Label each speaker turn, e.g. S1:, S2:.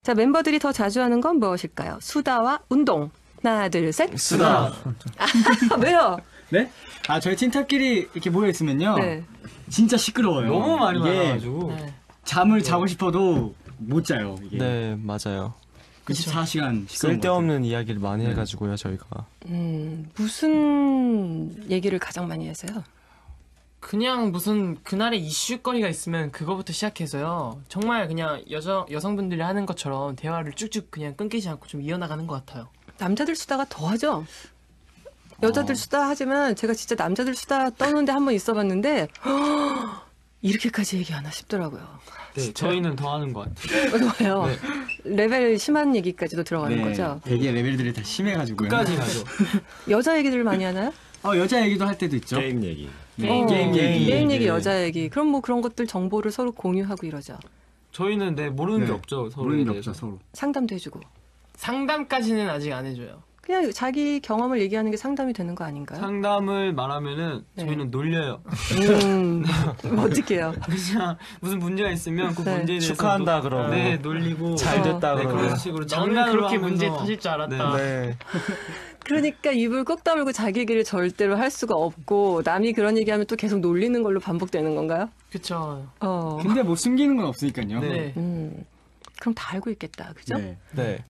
S1: 자, 멤버들이 더 자주 하는 건 무엇일까요? 수다와 운동. 하나, 둘, 셋.
S2: 수다.
S1: 왜요?
S3: 네? 아, 저희 팀탑끼리 이렇게 모여있으면요.
S1: 네.
S3: 진짜 시끄러워요.
S2: 너무 많이
S3: 이게
S2: 많아가지고.
S4: 네.
S3: 잠을 자고 싶어도 못 자요. 이게.
S5: 네, 맞아요.
S3: 24시간
S5: 쓸데없는 이야기를 많이 해가지고요, 저희가.
S1: 무슨 얘기를 가장 많이 하세요?
S4: 그냥 무슨 그날의 이슈거리가 있으면 그거부터 시작해서요. 정말 그냥 여성분들이 하는 것처럼 대화를 쭉쭉 그냥 끊기지 않고 좀 이어나가는 것 같아요.
S1: 남자들 수다가 더 하죠? 여자들 수다 하지만 제가 진짜 남자들 수다 떠는데 한 번 있어봤는데 이렇게까지 얘기하나 싶더라고요.
S2: 네, 저희는 더 하는 것 같아요.
S1: 왜요? 레벨 심한 얘기까지도 들어가는 거죠?
S3: 되게 레벨들이 다 심해가지고요.
S2: 끝까지 가죠.
S1: 여자 얘기들을 많이 하나요?
S3: 여자 얘기도 할 때도 있죠.
S6: 게임 얘기.
S3: 게임 얘기.
S1: 게임 얘기, 여자 얘기. 그럼 뭐 그런 것들 정보를 서로 공유하고 이러죠.
S2: 저희는 모르는 게 없죠. 서로에
S3: 모르는 게
S2: 대해서.
S3: 없죠, 서로.
S1: 상담도 해주고.
S4: 상담까지는 아직 안 해줘요.
S1: 그냥 자기 경험을 얘기하는 게 상담이 되는 거 아닌가요?
S2: 상담을 말하면은
S1: 네.
S2: 저희는 놀려요.
S1: 어떻게 해요?
S2: 그냥 무슨 문제가 있으면 그
S1: 네.
S2: 문제에 대해서
S5: 축하한다 그러고.
S2: 네, 놀리고
S5: 잘 됐다
S2: 네,
S5: 그러고.
S2: 그런 식으로
S4: 너는
S2: 장난으로
S4: 그렇게
S2: 하면서
S4: 문제 터질 줄 알았다.
S5: 네.
S1: 그러니까 입을 꼭 다물고 자기 얘기를 절대로 할 수가 없고 남이 그런 얘기하면 또 계속 놀리는 걸로 반복되는 건가요?
S4: 그쵸.
S1: 어.
S3: 근데 뭐 숨기는 건 없으니까요.
S2: 네.
S1: 그럼 다 알고 있겠다. 그죠?
S3: 네.
S5: 네.